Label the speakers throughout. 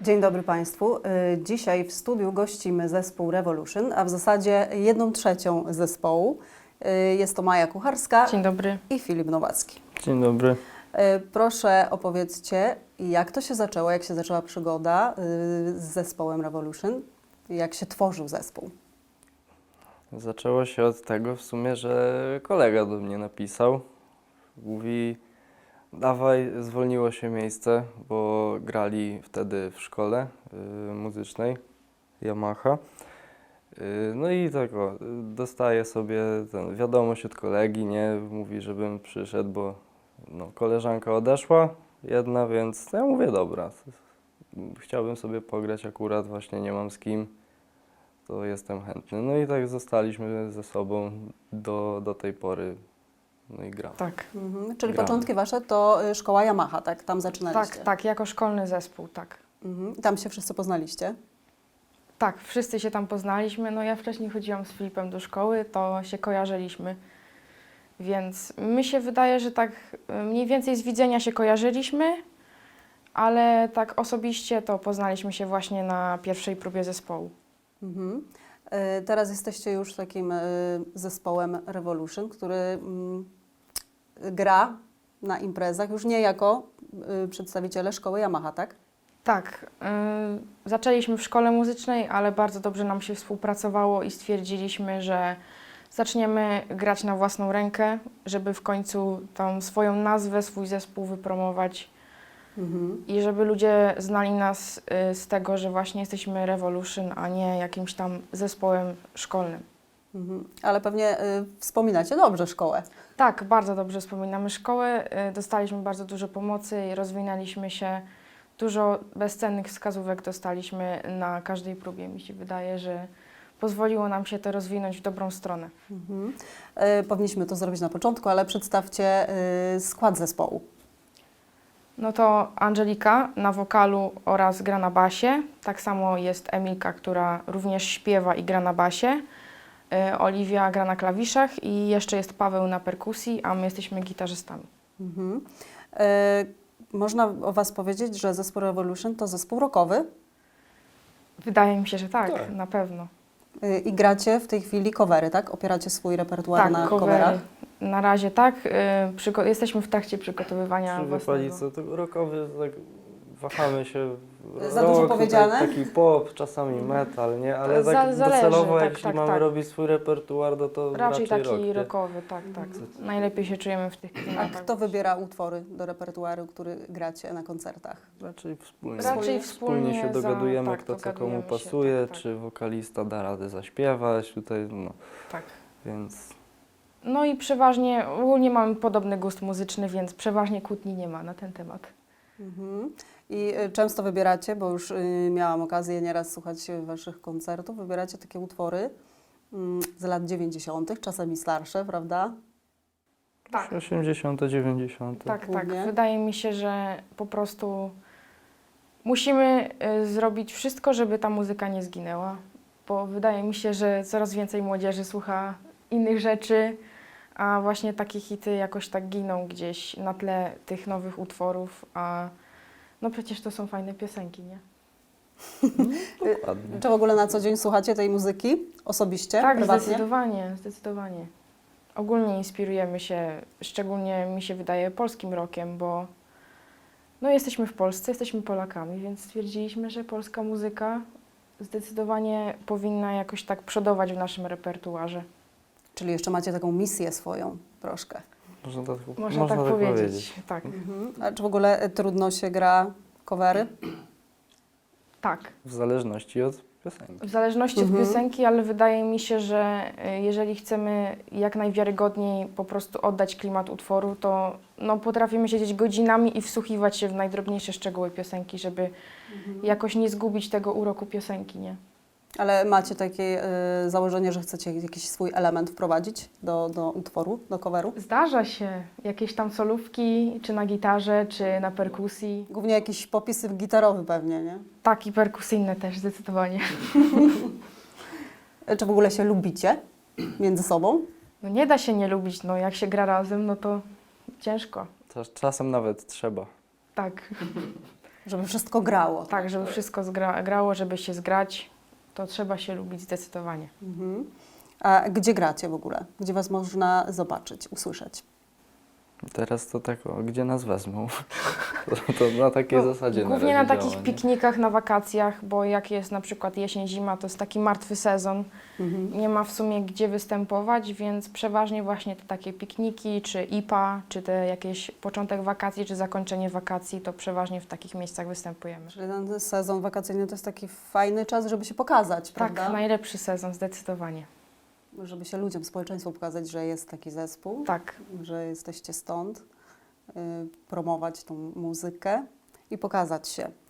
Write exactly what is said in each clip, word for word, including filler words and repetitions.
Speaker 1: Dzień dobry Państwu. Dzisiaj w studiu gościmy zespół Revolution, a w zasadzie jedną trzecią zespołu. Jest to Maja Kucharska.
Speaker 2: Dzień dobry.
Speaker 1: I Filip Nowacki.
Speaker 3: Dzień dobry.
Speaker 1: Proszę opowiedzcie, jak to się zaczęło, jak się zaczęła przygoda z zespołem Revolution, jak się tworzył zespół?
Speaker 3: Zaczęło się od tego w sumie, że kolega do mnie napisał. Mówi, dawaj, zwolniło się miejsce, bo grali wtedy w szkole y, muzycznej Yamaha. Y, no i tak o, dostaję sobie ten, wiadomość od kolegi, nie? Mówi, żebym przyszedł, bo no, koleżanka odeszła, jedna, więc ja mówię, dobra, chciałbym sobie pograć akurat, właśnie nie mam z kim, to jestem chętny. No i tak zostaliśmy ze sobą do, do tej pory, no i gramy.
Speaker 2: Tak.
Speaker 1: Mhm. Czyli
Speaker 3: Gramy.
Speaker 1: początki Wasze to szkoła Yamaha, tak? Tam zaczynaliście?
Speaker 2: Tak, tak, jako szkolny zespół, tak.
Speaker 1: Mhm. I tam się wszyscy poznaliście?
Speaker 2: Tak, wszyscy się tam poznaliśmy. No ja wcześniej chodziłam z Filipem do szkoły, to się kojarzyliśmy. Więc mi się wydaje, że tak mniej więcej z widzenia się kojarzyliśmy, ale tak osobiście to poznaliśmy się właśnie na pierwszej próbie zespołu.
Speaker 1: Mhm. E, Teraz jesteście już takim e, zespołem Revolution, który mm, gra na imprezach już nie jako y, przedstawiciele szkoły Yamaha, tak?
Speaker 2: Tak, y, zaczęliśmy w szkole muzycznej, ale bardzo dobrze nam się współpracowało i stwierdziliśmy, że zaczniemy grać na własną rękę, żeby w końcu tą swoją nazwę, swój zespół wypromować
Speaker 1: Mhm.
Speaker 2: i żeby ludzie znali nas y, z tego, że właśnie jesteśmy Revolution, a nie jakimś tam zespołem szkolnym.
Speaker 1: Mhm. Ale pewnie y, wspominacie dobrze szkołę.
Speaker 2: Tak, bardzo dobrze wspominamy szkołę, y, dostaliśmy bardzo dużo pomocy i rozwinęliśmy się. Dużo bezcennych wskazówek dostaliśmy na każdej próbie. Mi się wydaje, że pozwoliło nam się to rozwinąć w dobrą stronę.
Speaker 1: Mhm. Y, powinniśmy to zrobić na początku, ale przedstawcie y, skład zespołu.
Speaker 2: No to Angelika na wokalu oraz gra na basie. Tak samo jest Emilka, która również śpiewa i gra na basie. Y, Oliwia gra na klawiszach i jeszcze jest Paweł na perkusji, a my jesteśmy gitarzystami.
Speaker 1: Mhm. Y, Można o Was powiedzieć, że zespół Revolution to zespół rockowy
Speaker 2: Wydaje mi się, że tak,
Speaker 3: Tak.
Speaker 2: na pewno.
Speaker 1: y, i gracie w tej chwili covery, tak? Opieracie swój repertuar
Speaker 2: Tak,
Speaker 1: na
Speaker 2: covery.
Speaker 1: coverach.
Speaker 2: Na razie tak. Y, przygo- jesteśmy w trakcie przygotowywania
Speaker 3: Przy
Speaker 2: własnego.
Speaker 3: wypalicy to rokowy, tak wahamy się.
Speaker 1: Za dużo
Speaker 3: Rock,
Speaker 1: powiedziane?
Speaker 3: Taki, taki pop, czasami metal, nie? Ale
Speaker 2: Za-
Speaker 3: tak
Speaker 2: zależy,
Speaker 3: docelowo,
Speaker 2: tak,
Speaker 3: jeśli
Speaker 2: tak,
Speaker 3: mamy
Speaker 2: tak.
Speaker 3: robić swój repertuar, no to
Speaker 2: Raczej taki
Speaker 3: rock, nie?
Speaker 2: rockowy, tak, tak. Najlepiej się czujemy w tych
Speaker 1: A
Speaker 2: klimatach.
Speaker 1: kto wybiera utwory do repertuaru, który gracie na koncertach?
Speaker 3: Raczej wspólnie.
Speaker 2: Raczej
Speaker 3: Wspólnie się
Speaker 2: wspólnie za-
Speaker 3: dogadujemy,
Speaker 2: tak,
Speaker 3: kto co
Speaker 2: dogadujemy
Speaker 3: komu
Speaker 2: się,
Speaker 3: pasuje,
Speaker 2: tak, tak.
Speaker 3: czy wokalista da radę zaśpiewać, tutaj, no,
Speaker 2: Tak.
Speaker 3: więc
Speaker 2: No i przeważnie, ogólnie mamy podobny gust muzyczny, więc przeważnie kłótni nie ma na ten temat.
Speaker 1: Mhm. I y, często wybieracie, bo już y, miałam okazję nieraz słuchać Waszych koncertów, wybieracie takie utwory mm, z lat dziewięćdziesiątych, czasami starsze, prawda?
Speaker 2: Tak,
Speaker 3: osiemdziesiąte, dziewięćdziesiąte.
Speaker 2: tak, tak.
Speaker 1: Głównie.
Speaker 2: Wydaje mi się, że po prostu musimy y, zrobić wszystko, żeby ta muzyka nie zginęła, bo wydaje mi się, że coraz więcej młodzieży słucha innych rzeczy, a właśnie takie hity jakoś tak giną gdzieś na tle tych nowych utworów, a no przecież to są fajne piosenki, nie?
Speaker 3: Dokładnie.
Speaker 1: Czy w ogóle na co dzień słuchacie tej muzyki osobiście,
Speaker 2: Tak,
Speaker 1: prywatnie?
Speaker 2: zdecydowanie, zdecydowanie. Ogólnie inspirujemy się, szczególnie mi się wydaje, polskim rockiem, bo no jesteśmy w Polsce, jesteśmy Polakami, więc stwierdziliśmy, że polska muzyka zdecydowanie powinna jakoś tak przodować w naszym repertuarze.
Speaker 1: Czyli jeszcze macie taką misję swoją troszkę.
Speaker 3: Można tak,
Speaker 2: Można, tak, powiedzieć. Tak,
Speaker 1: Mhm. A czy w ogóle y, trudno się gra covery?
Speaker 2: tak.
Speaker 3: W zależności od piosenki.
Speaker 2: W zależności
Speaker 1: Mhm.
Speaker 2: od piosenki, ale wydaje mi się, że y, jeżeli chcemy jak najwiarygodniej po prostu oddać klimat utworu, to no, potrafimy siedzieć godzinami i wsłuchiwać się w najdrobniejsze szczegóły piosenki, żeby jakoś nie zgubić tego uroku piosenki, nie?
Speaker 1: Ale macie takie y, założenie, że chcecie jakiś swój element wprowadzić do, do utworu, do coveru?
Speaker 2: Zdarza się jakieś tam solówki, czy na gitarze, czy na perkusji.
Speaker 1: Głównie jakiś popisy gitarowy pewnie, nie?
Speaker 2: Tak, i perkusyjne też zdecydowanie.
Speaker 1: Czy w ogóle się lubicie między sobą?
Speaker 2: No nie da się nie lubić, no jak się gra razem, no to ciężko.
Speaker 3: Czas- Czasem nawet trzeba.
Speaker 2: Tak.
Speaker 1: Żeby wszystko grało.
Speaker 2: Tak, żeby wszystko zgra, grało, żeby się zgrać, to trzeba się lubić zdecydowanie.
Speaker 1: Mhm. A gdzie gracie w ogóle? Gdzie Was można zobaczyć, usłyszeć?
Speaker 3: Teraz to tak, o, gdzie nas wezmą? To, to na takiej
Speaker 2: No,
Speaker 3: zasadzie
Speaker 2: Głównie na
Speaker 3: razie
Speaker 2: takich
Speaker 3: działa, nie?
Speaker 2: piknikach, na wakacjach, bo jak jest na przykład jesień, zima, to jest taki martwy sezon.
Speaker 1: Mhm.
Speaker 2: Nie ma w sumie gdzie występować, więc przeważnie właśnie te takie pikniki, czy I P A, czy te jakieś początek wakacji, czy zakończenie wakacji, to przeważnie w takich miejscach występujemy.
Speaker 1: Czyli ten sezon wakacyjny to jest taki fajny czas, żeby się pokazać,
Speaker 2: Tak,
Speaker 1: prawda?
Speaker 2: najlepszy sezon, zdecydowanie.
Speaker 1: Żeby się ludziom, społeczeństwu pokazać, że jest taki zespół,
Speaker 2: Tak,
Speaker 1: że jesteście stąd, y, promować tą muzykę i pokazać się. Y,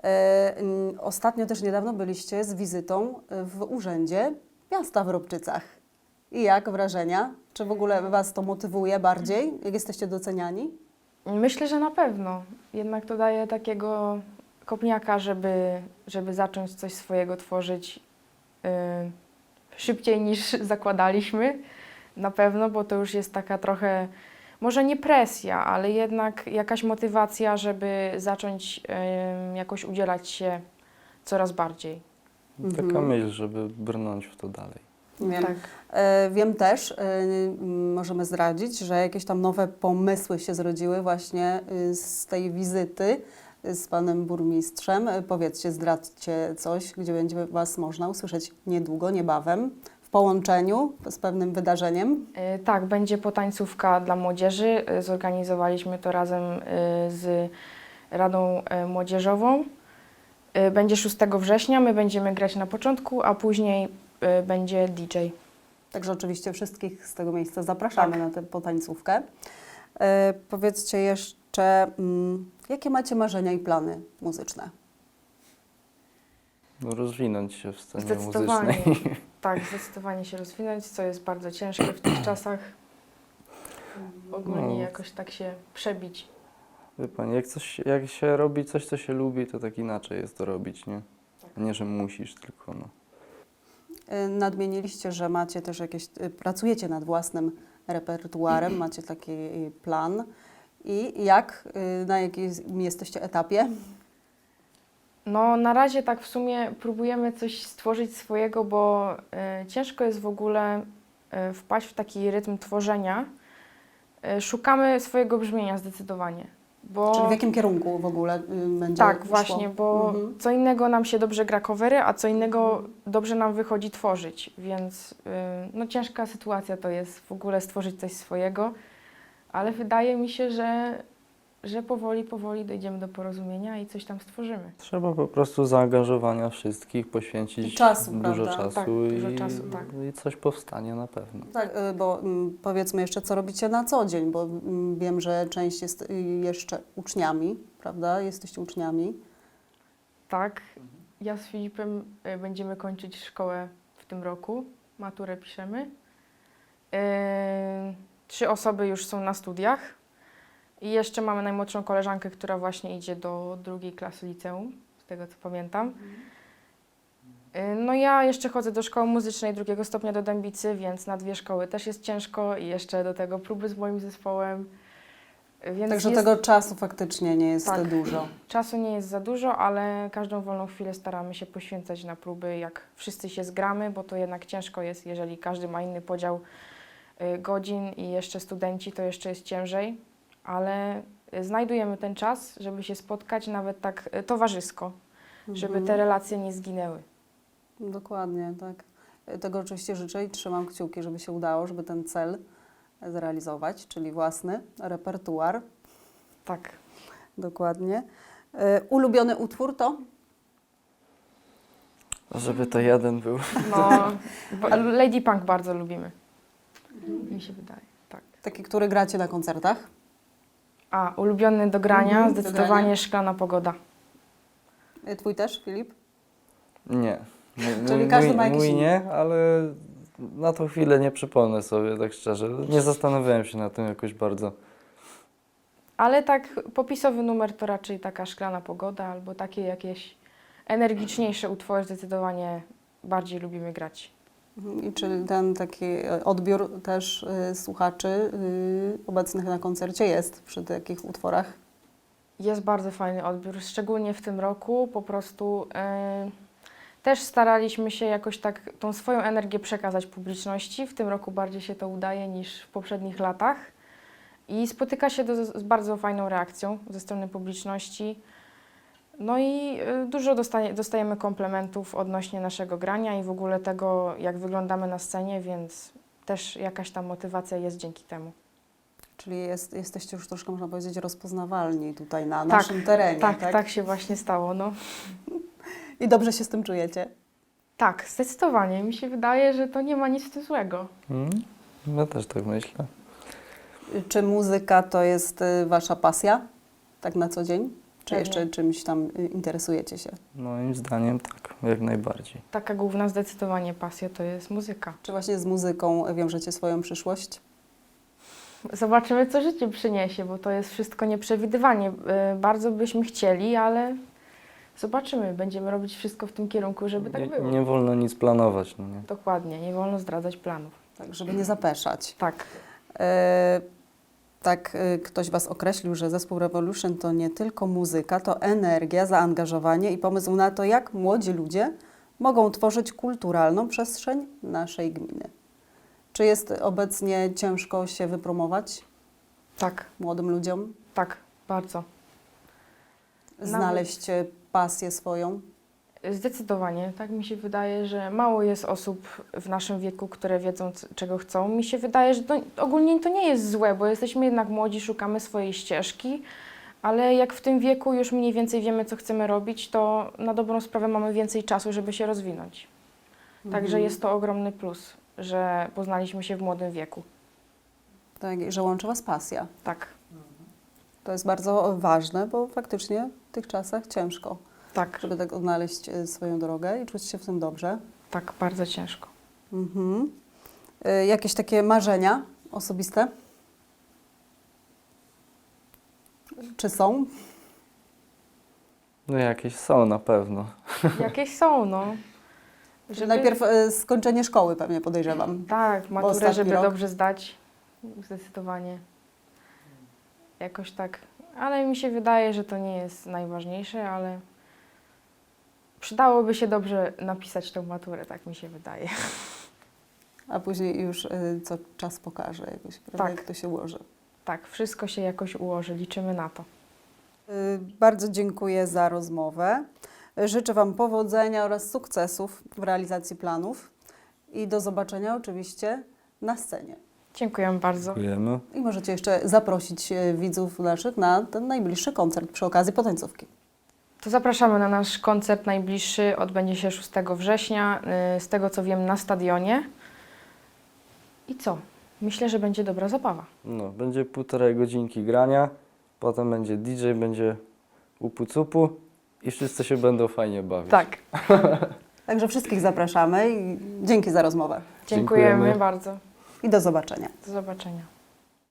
Speaker 1: y, ostatnio też niedawno byliście z wizytą w Urzędzie Miasta w Ropczycach. I jak wrażenia? Czy w ogóle Was to motywuje bardziej, jak jesteście doceniani?
Speaker 2: myślę, że na pewno. Jednak to daje takiego kopniaka, żeby, żeby zacząć coś swojego tworzyć yy, szybciej niż zakładaliśmy. Na pewno, bo to już jest taka trochę, może nie presja, ale jednak jakaś motywacja, żeby zacząć yy, jakoś udzielać się coraz bardziej.
Speaker 3: Taka
Speaker 1: Mhm.
Speaker 3: myśl, żeby brnąć w to dalej.
Speaker 1: Wiem.
Speaker 2: Tak.
Speaker 1: E, wiem też, e, m, możemy zdradzić, że jakieś tam nowe pomysły się zrodziły właśnie y, z tej wizyty y, z panem burmistrzem. E, Powiedzcie, zdradźcie coś, gdzie będzie Was można usłyszeć niedługo, niebawem, w połączeniu z pewnym wydarzeniem.
Speaker 2: Y, Tak, będzie potańcówka dla młodzieży. Y, Zorganizowaliśmy to razem y, z Radą y, Młodzieżową. Y, Będzie szóstego września, my będziemy grać na początku, a później y, będzie D J.
Speaker 1: Także oczywiście wszystkich z tego miejsca zapraszamy
Speaker 2: Tak.
Speaker 1: na tę potańcówkę. E, Powiedzcie jeszcze, mm, jakie macie marzenia i plany muzyczne?
Speaker 3: No, rozwinąć się w scenie
Speaker 2: Zdecydowanie.
Speaker 3: muzycznej.
Speaker 2: Tak, zdecydowanie się rozwinąć, co jest bardzo ciężkie w tych czasach. Ogólnie
Speaker 3: No.
Speaker 2: jakoś tak się przebić.
Speaker 3: Wie Pani, jak, coś, jak się robi coś, co się lubi, to tak inaczej jest to robić, nie? A nie, że musisz, tylko no.
Speaker 1: Y, Nadmieniliście, że macie też jakieś, y, pracujecie nad własnym repertuarem, macie taki y, plan. I jak, y, na jakim jesteście etapie?
Speaker 2: No, na razie tak w sumie próbujemy coś stworzyć swojego, bo y, ciężko jest w ogóle y, wpaść w taki rytm tworzenia. Y, szukamy swojego brzmienia zdecydowanie. Bo,
Speaker 1: Czyli w jakim kierunku w ogóle y, będzie
Speaker 2: tak,
Speaker 1: szło?
Speaker 2: właśnie, bo
Speaker 1: Mhm.
Speaker 2: co innego nam się dobrze gra covery, a co innego dobrze nam wychodzi tworzyć, więc y, no, ciężka sytuacja to jest w ogóle stworzyć coś swojego, ale wydaje mi się, że, że powoli, powoli dojdziemy do porozumienia i coś tam stworzymy.
Speaker 3: Trzeba po prostu zaangażowania wszystkich, poświęcić
Speaker 1: I czasu,
Speaker 3: dużo
Speaker 1: prawda?
Speaker 3: czasu,
Speaker 2: Tak,
Speaker 3: i,
Speaker 2: dużo czasu, tak.
Speaker 3: i coś powstanie na pewno.
Speaker 1: Tak, y, bo mm, powiedzmy jeszcze, co robicie na co dzień, bo mm, wiem, że część jest y, jeszcze uczniami, prawda? Jesteście uczniami.
Speaker 2: Tak, ja z Filipem y, będziemy kończyć szkołę w tym roku, maturę piszemy. Y, Trzy osoby już są na studiach i jeszcze mamy najmłodszą koleżankę, która właśnie idzie do drugiej klasy liceum, z tego co pamiętam. Y, No ja jeszcze chodzę do szkoły muzycznej drugiego stopnia do Dębicy, więc na dwie szkoły też jest ciężko i jeszcze do tego próby z moim zespołem. Y, Więc
Speaker 1: Także
Speaker 2: jest,
Speaker 1: tego czasu faktycznie nie jest
Speaker 2: Tak.
Speaker 1: dużo.
Speaker 2: czasu nie jest za dużo, ale każdą wolną chwilę staramy się poświęcać na próby, jak wszyscy się zgramy, bo to jednak ciężko jest, jeżeli każdy ma inny podział y, godzin i jeszcze studenci, to jeszcze jest ciężej, ale y, znajdujemy ten czas, żeby się spotkać nawet tak y, towarzysko, żeby
Speaker 1: Mhm.
Speaker 2: te relacje nie zginęły.
Speaker 1: Dokładnie, tak. Tego oczywiście życzę i trzymam kciuki, żeby się udało, żeby ten cel zrealizować, czyli własny repertuar.
Speaker 2: Tak.
Speaker 1: Dokładnie. Y, Ulubiony utwór to?
Speaker 3: Żeby to jeden był.
Speaker 2: No, bo- Lady Punk bardzo lubimy, mi się wydaje, tak.
Speaker 1: Taki, który gracie na koncertach?
Speaker 2: A, ulubiony do grania,
Speaker 1: Mhm, do
Speaker 2: zdecydowanie
Speaker 1: grania.
Speaker 2: Szklana Pogoda.
Speaker 1: Y, Twój też, Filip?
Speaker 3: Nie. Mój,
Speaker 1: Czyli
Speaker 3: mój,
Speaker 1: każdy ma jakiś
Speaker 3: mój
Speaker 1: inny.
Speaker 3: nie, ale na tą chwilę nie przypomnę sobie, tak szczerze. Nie zastanawiałem się nad tym jakoś bardzo.
Speaker 2: Ale tak popisowy numer to raczej taka Szklana Pogoda albo takie jakieś energiczniejsze utwory zdecydowanie bardziej lubimy grać.
Speaker 1: Mhm. I czy ten taki y, odbiór też y, słuchaczy y, obecnych na koncercie jest przy takich utworach?
Speaker 2: Jest bardzo fajny odbiór, szczególnie w tym roku. Po prostu e, też staraliśmy się jakoś tak tą swoją energię przekazać publiczności. W tym roku bardziej się to udaje niż w poprzednich latach. I spotyka się do, z bardzo fajną reakcją ze strony publiczności. No i y, dużo dostaje, dostajemy komplementów odnośnie naszego grania i w ogóle tego, jak wyglądamy na scenie, więc też jakaś tam motywacja jest dzięki temu.
Speaker 1: Czyli jest, jesteście już troszkę, można powiedzieć, rozpoznawalni tutaj na
Speaker 2: Tak,
Speaker 1: naszym terenie,
Speaker 2: Tak,
Speaker 1: tak?
Speaker 2: tak, się właśnie stało, no.
Speaker 1: I dobrze się z tym czujecie?
Speaker 2: Tak, zdecydowanie. Mi się wydaje, że to nie ma nic w tym złego.
Speaker 3: Mm, ja też tak myślę.
Speaker 1: Czy muzyka to jest y, wasza pasja, tak na co dzień? Czy
Speaker 2: Pewnie.
Speaker 1: jeszcze czymś tam y, interesujecie się?
Speaker 3: Moim zdaniem tak, jak najbardziej.
Speaker 2: Taka główna zdecydowanie pasja to jest muzyka.
Speaker 1: Czy właśnie z muzyką wiążecie swoją przyszłość?
Speaker 2: Zobaczymy, co życie przyniesie, bo to jest wszystko nieprzewidywanie. Y, Bardzo byśmy chcieli, ale zobaczymy. Będziemy robić wszystko w tym kierunku, żeby tak
Speaker 3: Nie,
Speaker 2: było.
Speaker 3: nie wolno nic planować, no nie?
Speaker 2: Dokładnie, nie wolno zdradzać planów.
Speaker 1: Tak, żeby nie zapeszać.
Speaker 2: Tak.
Speaker 1: E, tak e, ktoś was określił, że zespół Revolution to nie tylko muzyka, to energia, zaangażowanie i pomysł na to, jak młodzi ludzie mogą tworzyć kulturalną przestrzeń naszej gminy. Czy jest obecnie ciężko się wypromować
Speaker 2: Tak,
Speaker 1: młodym ludziom?
Speaker 2: tak, bardzo.
Speaker 1: Znaleźć e, pasję swoją?
Speaker 2: Zdecydowanie, tak mi się wydaje, że mało jest osób w naszym wieku, które wiedzą, c- czego chcą. Mi się wydaje, że to, ogólnie to nie jest złe, bo jesteśmy jednak młodzi, szukamy swojej ścieżki, ale jak w tym wieku już mniej więcej wiemy, co chcemy robić, to na dobrą sprawę mamy więcej czasu, żeby się rozwinąć. Także
Speaker 1: Mhm.
Speaker 2: jest to ogromny plus, że poznaliśmy się w młodym wieku.
Speaker 1: Tak, i że łączy was pasja.
Speaker 2: Tak,
Speaker 1: To jest bardzo ważne, bo faktycznie w tych czasach ciężko,
Speaker 2: tak,
Speaker 1: żeby tak odnaleźć e, swoją drogę i czuć się w tym dobrze.
Speaker 2: tak, bardzo ciężko.
Speaker 1: Mhm. E, Jakieś takie marzenia osobiste? Czy są?
Speaker 3: No jakieś są na pewno.
Speaker 2: Jakieś są, no.
Speaker 1: Żeby... Najpierw e, skończenie szkoły pewnie podejrzewam.
Speaker 2: Tak, maturę,
Speaker 1: ostatni
Speaker 2: żeby
Speaker 1: rok.
Speaker 2: dobrze zdać. Zdecydowanie. Jakoś tak. Ale mi się wydaje, że to nie jest najważniejsze, ale przydałoby się dobrze napisać tą maturę, tak mi się wydaje.
Speaker 1: A później już e, co czas pokaże jakoś, prawda,
Speaker 2: Tak.
Speaker 1: jak to się ułoży.
Speaker 2: Tak, wszystko się jakoś ułoży, liczymy na to.
Speaker 1: E, Bardzo dziękuję za rozmowę. E, Życzę Wam powodzenia oraz sukcesów w realizacji planów i do zobaczenia oczywiście na scenie.
Speaker 2: Dziękuję bardzo.
Speaker 3: Dziękujemy.
Speaker 1: I możecie jeszcze zaprosić e, widzów naszych na ten najbliższy koncert przy okazji potańcówki.
Speaker 2: To zapraszamy na nasz koncert najbliższy, odbędzie się szóstego września, yy, z tego co wiem na stadionie. I co? Myślę, że będzie dobra zabawa.
Speaker 3: No, będzie półtorej godzinki grania, potem będzie D J, będzie upu-cupu i wszyscy się będą fajnie bawić.
Speaker 2: Tak,
Speaker 1: Także wszystkich zapraszamy i dzięki za rozmowę
Speaker 2: dziękujemy,
Speaker 3: Dziękujemy.
Speaker 2: bardzo.
Speaker 1: i do zobaczenia.
Speaker 2: Do zobaczenia.